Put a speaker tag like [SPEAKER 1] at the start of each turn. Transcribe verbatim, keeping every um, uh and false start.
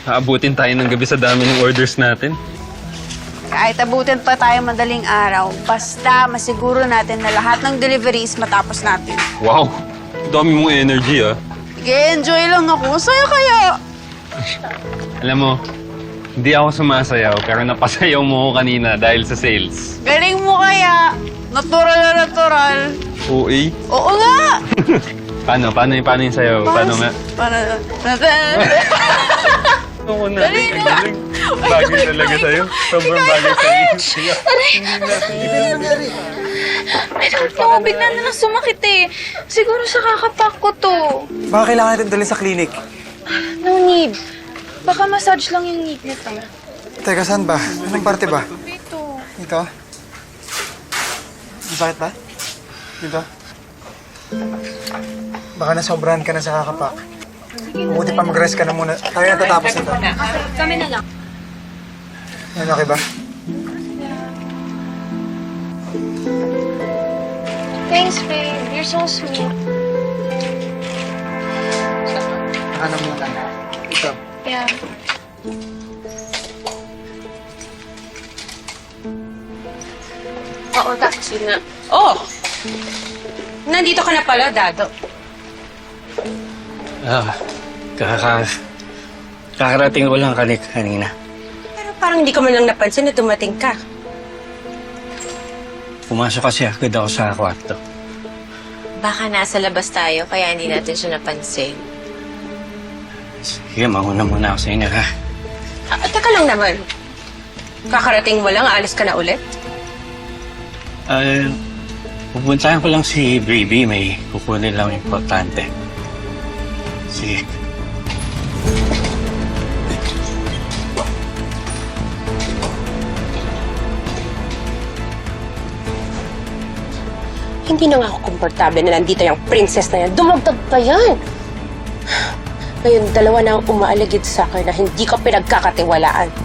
[SPEAKER 1] aabutin tayo ng gabi sa dami ng orders natin.
[SPEAKER 2] Kahit abutin pa tayo madaling araw, basta masiguro natin na lahat ng deliveries matapos natin.
[SPEAKER 1] Wow! Dami mong energy, ah.
[SPEAKER 2] Nag-enjoy lang ako. Saya kaya.
[SPEAKER 1] Alam mo, hindi ako sumasayaw, pero napasayaw mo ko kanina dahil sa sales.
[SPEAKER 2] Galing mo kaya. Natural na natural.
[SPEAKER 1] O A?
[SPEAKER 2] Oo nga!
[SPEAKER 1] Paano? Paano yung, paano yung sayaw? Paano nga?
[SPEAKER 2] Paano?
[SPEAKER 1] Ako na. Ang galing. Bagay talaga sa'yo. Sobrang bagay sa'yo.
[SPEAKER 3] Pero ito, bigla na lang sumakit eh. Siguro sa kakapak ko to.
[SPEAKER 4] Baka kailangan natin dalhin sa clinic.
[SPEAKER 3] No need. Baka massage lang yung need nito.
[SPEAKER 4] Teka, saan ba? Anong parte ba?
[SPEAKER 3] Dito.
[SPEAKER 4] Dito? Masakit ba? Dito? Baka nasobrahan ka na sa kakapak. Mabuti pa mag-rest ka na muna. Tayo natatapos nito.
[SPEAKER 3] Kami na lang.
[SPEAKER 4] Yan, okay ba?
[SPEAKER 3] Thanks, babe. You're so sweet.
[SPEAKER 4] Ano muna? Ito.
[SPEAKER 3] Yeah.
[SPEAKER 5] Oo, tapos yun na. Oh! Nandito ka na pala, Dado.
[SPEAKER 6] Ah, kaka... Kakarating ko lang kanik kanina.
[SPEAKER 5] Pero parang hindi ko man lang napansin na dumating ka.
[SPEAKER 6] Pumasok kasi agad ako sa kwarto.
[SPEAKER 5] Baka nasa labas tayo, kaya hindi natin siya napansin.
[SPEAKER 6] Sige, mauna muna ako sa inyo, ha?
[SPEAKER 5] Ah, teka lang naman. Kakarating mo lang, aalis ka na ulit?
[SPEAKER 6] Ah, pupuntahan ko lang si Baby. May kukunin lang importante. Sige.
[SPEAKER 5] Hindi na nga ako komportable na nandito yung princess na yan. Dumagdag pa yan! Ngayon, dalawa na ang umaaligid sa akin na hindi ko pinagkakatiwalaan.